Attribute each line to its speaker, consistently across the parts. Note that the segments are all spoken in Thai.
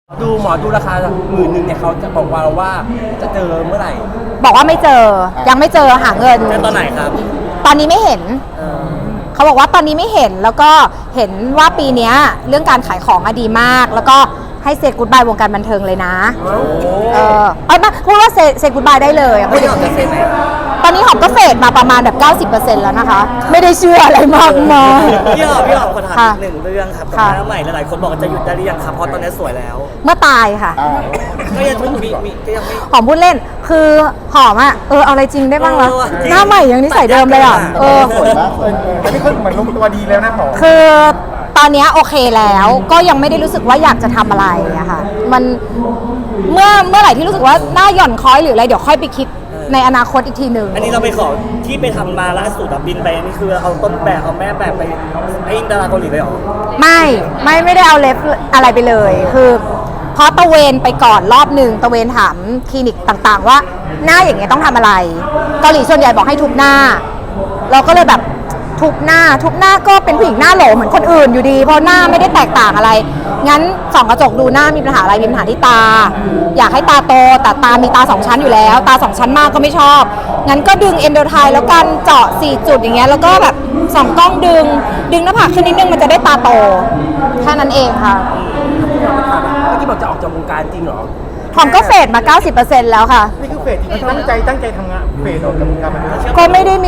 Speaker 1: ดูหมอดูราคา10,000เนี่ยเขาจะบอกว่าจะเจอเมื่อไหร่
Speaker 2: บอกว่าไม่เจอยังไม่เจอหาเงิน
Speaker 1: เจอตอนไหนครับ
Speaker 2: ตอนนี้ไม่เห็นเขาบอกว่าตอนนี้ไม่เห็นแล้วก็เห็นว่าปีนี้เรื่องการขายของดีมาก แล้วก็ให้เซกูดบายวงการบันเทิงเลยนะมาพูดว่าเซกูดบายได้เลยพูดอย่างนี้ตอนนี้หอมก็เฟดมาประมาณแบบ 90% แล้วนะคะไม่ได้เชื่ออะไรมากมาย
Speaker 3: พี่หอมขอถามอีกหนึ่งเรื่องครับกับหน้าใหม่หลายๆคนบอกว่าจะหยุดได้หรือยังครับเพราะตอนนี้สวยแล้ว
Speaker 2: เมื่อตายค่ะ
Speaker 3: ก็ยังมีก็ยังไม่
Speaker 2: หอมพูดเล่นคือหอมอ่ะเอาอะไรจริงได้บ้างวะ
Speaker 3: จริง
Speaker 2: หน้าใหม่ยังนิสัยเดิมเลยอ่ะ
Speaker 4: สวยมากเลยอันนี้คือเหมือนลงตัวดีแล้วนะหมอ
Speaker 2: คือตอนนี้โอเคแล้วก็ยังไม่ได้รู้สึกว่าอยากจะทำอะไรอะค่ะมันเมื่อไหร่ที่รู้สึกว่าหน้าหย่อนคล้อยหรืออะไรเดี๋ยวค่อยไปคิดในอนาคตอีกทีหนึ่ง
Speaker 3: อันนี้เราไปขอที่ไปทำมาล่าสุดบินไปนี่คือเอาต้นแบบเอาแม่แบบไปให้ดาราเกาหลีไปหรอ
Speaker 2: ไม่ได้เอาเล็บอะไรไปเลยคือเพราะตะเวนไปก่อนรอบหนึ่งตะเวนถามคลินิกต่างๆ ว่าหน้าอย่างเงี้ยต้องทำอะไรเกาหลีส่วนใหญ่บอกให้ทุบหน้า เราก็เลยแบบทุบหน้าก็เป็นผู้หญิงหน้าโหลเหมือนคนอื่นอยู่ดีเพราะหน้าไม่ได้แตกต่างอะไรงั้นส่องกระจกดูหน้ามีปัญหาอะไรมีปัญหาที่ตา อยากให้ตาโตแต่ตามีตา2ชั้นอยู่แล้วตา2ชั้นมากก็ไม่ชอบงั้นก็ดึงเอนโดไทแล้วกันเจาะ4จุดอย่างเงี้ยแล้วก็แบบส่องกล้องดึงหน้าผากขึ้นนิดนึงมันจะได้ตาโตแค่นั้นเองค่ะ
Speaker 1: เมื่อกี้บอกจะออกจากวงการจริงเหรอ
Speaker 2: หอมก็เฟดมา 90% แล้วค่ะ
Speaker 4: นี่คือเฟสที่ตั้งใจทำงานเฟสออกจากวงการบันเทิง
Speaker 2: ก็ไม่ได้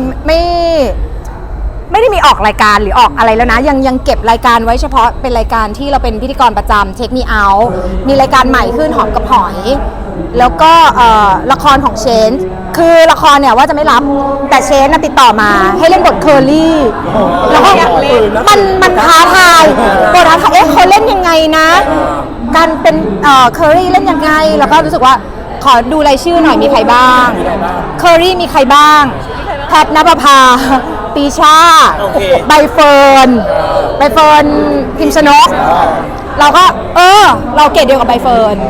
Speaker 2: มีออกรายการหรือออกอะไรแล้วนะยังเก็บรายการไว้เฉพาะเป็นรายการที่เราเป็นพิธีกรประจำเช็คมีเอาท์มีรายการใหม่ขึ้นหอมกับหอย แล้วก็ละครของเชนคือละครเนี่ยว่าจะไม่รับแต่เชนติดต่อมาให้เล่นบทเคอรี่แล้วก็มันท้าทายบทท้าทายเขาเล่นยังไงนะการเป็นเคอรี่เล่นยังไงแล้วก็รู้สึกว่าขอดูรายชื่อหน่อยมีใครบ้างเคอรี่มีใครบ้างแพทณปภาปีชาใบเฟิร์นพิมชนกเราก็เราเกรดเดียวกับใบเฟิร์น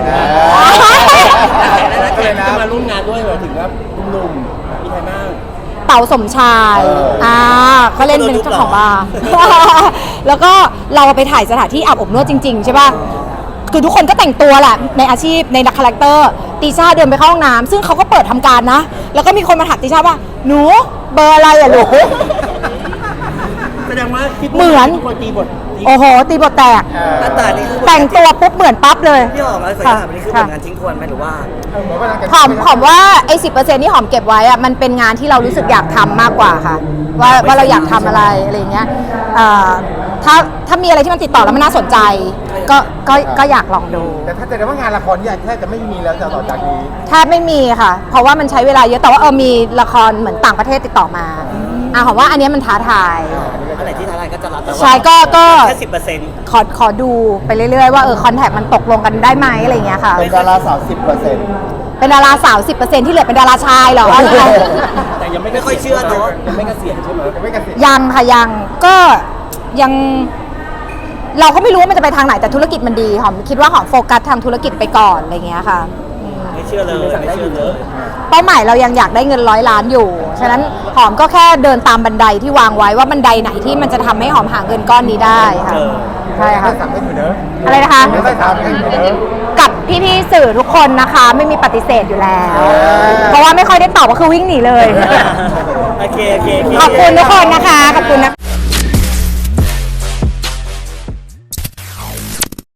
Speaker 1: จะมาร่วมงานด้วยเหรอถึงว่าหนุ่มมีใครบ้าง
Speaker 2: เต๋าสมชายเขาเล่นเป็นเจ้าของบาร์ แล้วก็เราไปถ่ายสถานที่อาบอบนวดจริงๆใช่ป่ะคือทุกคนก็แต่งตัวแหละในอาชีพในคาแรคเตอร์ติช่าเดินไปเข้าห้องน้ำซึ่งเขาก็เปิดทำการนะแล้วก็มีคนมาถามติช่าว่าหนูเบอร์อะไรอะลูก
Speaker 1: แสดงว่าคิด
Speaker 2: เหมือน
Speaker 1: คนตีบท
Speaker 2: โอ้โหตีบทแตก
Speaker 3: หน้าตานี่คือ
Speaker 2: แต่งตัวปุ๊บเหมือนปั๊บเลย
Speaker 3: พี่หอมอะไรสักอย่างนี่คือผลงานทิ้งทวนไหมหรือว่า
Speaker 2: หอมว่าไอ้10%ที่หอมเก็บไว้อะมันเป็นงานที่เรารู้สึกอยากทำมากกว่าค่ะว่าเราอยากทำอะไรอย่างเงี้ยถ้ามีอะไรที่มันติดต่อแล้วมันน่าสนใจก็อยากลองดู
Speaker 4: แต่ถ้าแต่ว่างานละครเนี่ยแทบจะไม่มีแล้วต่อจากนี้
Speaker 2: แทบไม่มีค่ะ เพราะว่ามันใช้เวลาเยอะแต่ว่ามีละครเหมือนต่างประเทศติดต่อมาหอมว่าอันเนี้ยมันท้าทาย
Speaker 3: อันไหนที่ท้าทายก็จะรับแต่ว่า
Speaker 2: ใช่ก็
Speaker 3: แค่10%
Speaker 2: ขอดูไปเรื่อยๆว่าคอนแทคมันตกลงกันได้ไหมอะไรอย่างเงี้ยค่ะ
Speaker 4: เป็นดาราสาว 10%
Speaker 2: เป็นดาราสาว 10%ที่เหลือเป็นดาราชายเหรอ
Speaker 1: แต่ยังไม่
Speaker 3: ไม่ค่อยเชื่อเนอะ
Speaker 1: ยังไม่เกษียณใช่ไหม
Speaker 4: ไม่เกษียณ
Speaker 2: ยังค่ะยังก็ยังเราก็ไม่รู้ว่ามันจะไปทางไหนแต่ธุรกิจมันดีหอมคิดว่าหอมโฟกัสทางธุรกิจไปก่อนอะไรอย่างเงี้ยค่ะ
Speaker 3: ไม่เชื่อเลยไม่เชื่อเลย
Speaker 2: เป้าหมายเรายังอยากได้เงิน100 ล้านอยู่ ฉะนั้นหอมก็แค่เดินตามบันไดที่วางไว้ว่าบันไดไหนที่มันจะทำให้หอมหาเงินก้อนนี้ได้ค่ะใช่ค่ะ
Speaker 4: ได้3เล่นเหมือนเดิม
Speaker 2: อะไรนะคะ
Speaker 4: ได้3เล่นเหมือนเดิม
Speaker 2: กับพี่ๆสื่อทุกคนนะคะไม่มีปฏิเสธอยู่แล้ว เพราะว่าไม่ค่อยได้ตอบก็คือวิ่งหนีเลย
Speaker 3: โอเค
Speaker 2: ขอบคุณทุกคนนะคะขอบคุณนะคะ